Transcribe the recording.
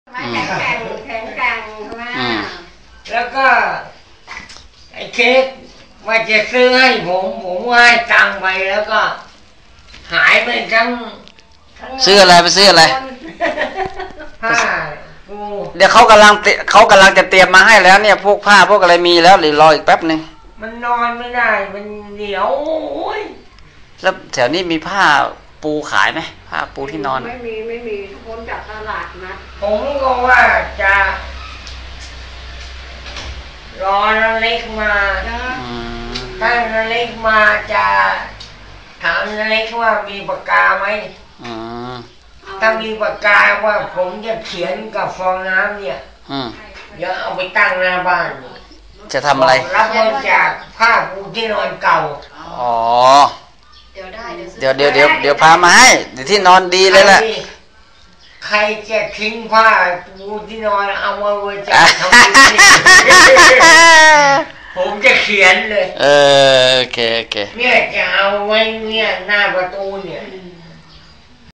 แข็งแกร่งแข็งแกร่งมาแล้วก็ไอ้เค้กว่าจะซื้อให้ผมว่าให้ตังค์ไปแล้วก็หายไปทั้งซื้ออะไรไปซื้ออะไรผ้าปูเดี๋ยวเขากำลังจะเตรียมมาให้แล้วเนี่ยพวกผ้าพวกอะไรมีแล้วหรือรออีกแป๊บนึงมันนอนไม่ได้มันเหนียวแล้วแถวนี้มีผ้าปูขายไหมผ้าปูที่นอนไม่มีคนจากตลาดนะผมก็ว่าจะรอนาเล็กมาถ้านาเล็กมาจะถามนาเล็กว่ามีปากกาไหมถ้ามีปากกาว่าผมจะเขียนกับฟองน้ำเนี่ยเดี๋ยวเอาไปตั้งหน้าบ้านจะทำอะไรรับบริจาคผ้าปูที่นอนเก่าอ๋อเดี๋ยวพามาให้เดี๋ยวที่นอนดีเลยแหละใครจะทิ้งผ้าปูที่นอนเอามาบริจาคทำบุญผมจะเขียนเลยโอเคเนี่ยจะเอาไว้เนี่ยหน้าประตูเนี่ย